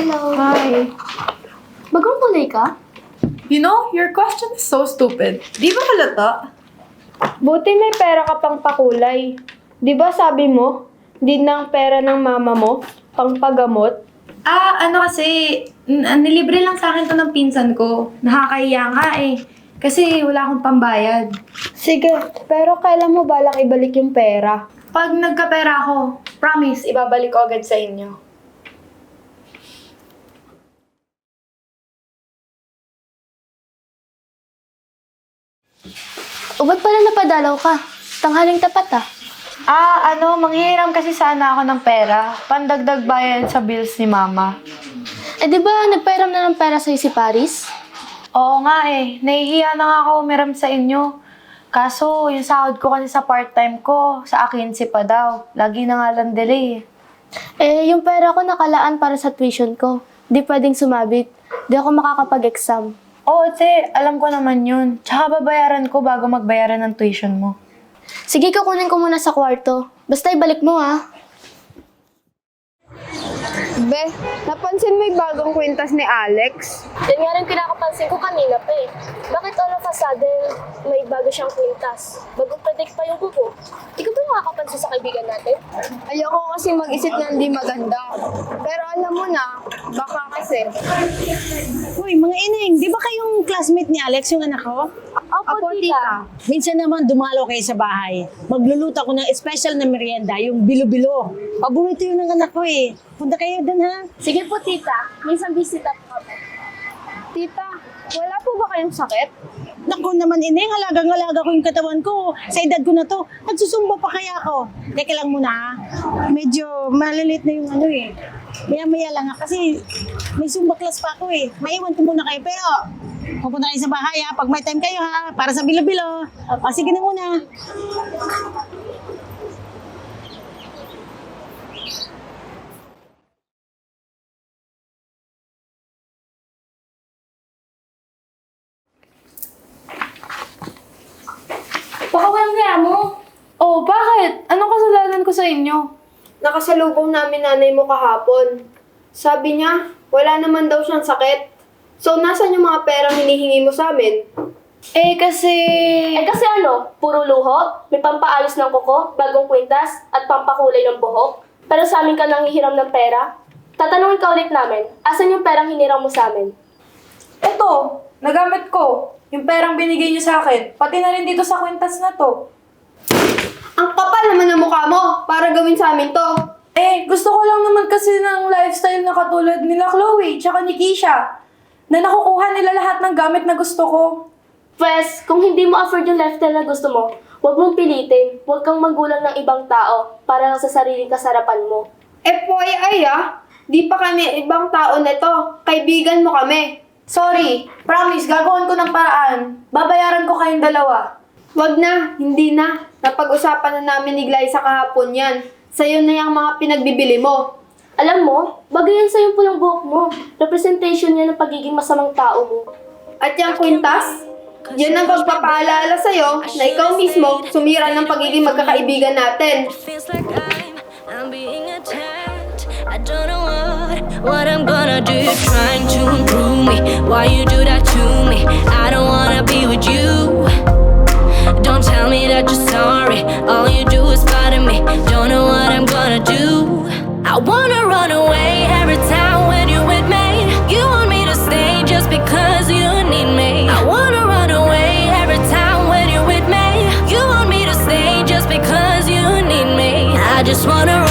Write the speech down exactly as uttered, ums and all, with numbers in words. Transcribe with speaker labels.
Speaker 1: Hello.
Speaker 2: Hi.
Speaker 1: Bagong kulay ka?
Speaker 2: You know, your question is so stupid. Di ba halata?
Speaker 3: Buti may pera ka pang pakulay. Di ba sabi mo, di ng pera ng mama mo, pang pagamot?
Speaker 2: Ah, ano kasi, n- nilibre lang sa akin to ng pinsan ko. Nakakahiya nga eh. Kasi wala akong pambayad.
Speaker 3: Sige, pero kailan mo balak ibalik yung pera?
Speaker 2: Pag nagkapera ako, promise, ibabalik ko agad sa inyo.
Speaker 1: O ba't pala napadalaw ka? Tanghaling tapat ah.
Speaker 2: Ah, ano, manghihiram kasi sana ako ng pera. Pandagdag bayad sa bills ni mama.
Speaker 1: Eh di ba nagpairam na ng pera sa'yo si Paris?
Speaker 2: Oo nga eh, nahihiya na nga ako umiram sa inyo. Kaso, yung sahod ko kasi sa part-time ko, sa akin si pa daw. Lagi na nga lang delay eh.
Speaker 1: Eh, yung pera ko nakalaan para sa tuition ko. Di pwedeng sumabit. Di ako makakapag-exam.
Speaker 2: Oo, te, alam ko naman yun. Tsaka babayaran ko bago magbayaran ng tuition mo.
Speaker 1: Sige, kukunin ko muna sa kwarto. Basta ibalik mo ah.
Speaker 3: Be, napansin mo yung bagong kwintas ni Alex?
Speaker 1: Yan nga rin kinakapansin ko kanina pa eh. Bakit all of a sudden may bago siyang kwintas? Bagong predict pa yung kuko. Ikaw ba nakakapansin sa kaibigan natin?
Speaker 3: Ayoko kasi mag-isip na hindi maganda. Pero alam mo na, baka kasi.
Speaker 4: Uy, mga ineng, di ba kayong classmate ni Alex, yung anak ko?
Speaker 1: Opo, tita.
Speaker 4: Minsan naman dumalo kayo sa bahay. Magluluto ako ng special na merienda, yung bilo-bilo. Paborito yun ng anak ko eh. Punta kayo dun ha.
Speaker 1: Sige po, tita. Minsan bisita po kami.
Speaker 3: Tita, wala po ba kayong sakit?
Speaker 4: Naku naman ineng, halagang-halaga ko yung katawan ko. Sa edad ko na to, nagsusumba pa kaya ako. Teka lang muna ha. Medyo malilit na yung ano eh. Maya-maya lang ha, kasi may zumba class pa ako eh. Maiwan ko muna kayo, pero pupunta kayo sa bahay ha. Pag may time kayo ha, para sa bilo-bilo. O sige na muna.
Speaker 1: Baka walang kaya mo.
Speaker 2: Oh, bakit? Anong kasalanan ko sa inyo?
Speaker 3: Nakasalubong namin nanay mo kahapon. Sabi niya, wala naman daw siyang sakit. So, nasan yung mga perang hinihingi mo sa amin?
Speaker 2: Eh, kasi...
Speaker 1: Eh kasi ano, puro luho, may pampaayos ng kuko, bagong kwintas, at pampakulay ng buhok. Pero sa amin ka nang hihiram ng pera? Tatanungin ka ulit namin, asan yung perang hiniram mo sa amin?
Speaker 2: Eto, nagamit ko. Yung perang binigay niyo sa akin, pati na rin dito sa kwintas na to.
Speaker 3: Ang kapal naman ng mukha mo para gawin sa amin to.
Speaker 2: Eh, gusto ko lang naman kasi ng lifestyle na katulad nila Chloe, tsaka ni Keisha. Na nakukuha nila lahat ng gamit na gusto ko.
Speaker 1: Pwes, kung hindi mo afford yung lifestyle na gusto mo, huwag mong pilitin, huwag kang manggulang ng ibang tao para lang sa sariling kasarapan mo.
Speaker 3: Eh, poy, ay ah. Di pa kami ibang tao nito. Kaibigan mo kami.
Speaker 2: Sorry, promise, gagawin ko ng paraan. Babayaran ko kayong dalawa.
Speaker 3: Wag na, hindi na. Napag-usapan na namin ni Glyza kahapon yan. Sa'yo na yung mga pinagbibili mo.
Speaker 1: Alam mo, bagay yan sa yung pulang buhok mo. Representation yan ng pagiging masamang tao mo.
Speaker 3: At yung kwintas, yan ang pagpapaalala sa'yo na ikaw mismo sumira ng pagiging magkakaibigan natin.
Speaker 5: Feels like I'm, I'm being attacked. I don't know what, what I'm gonna do. Trying to improve me. Why you do that to me? I don't wanna be with you. Don't tell me that you're sorry. All you do is bother me. Don't know what I'm gonna do. I wanna run away every time when you're with me. You want me to stay just because you need me. I wanna run away every time when you're with me. You want me to stay just because you need me. I just wanna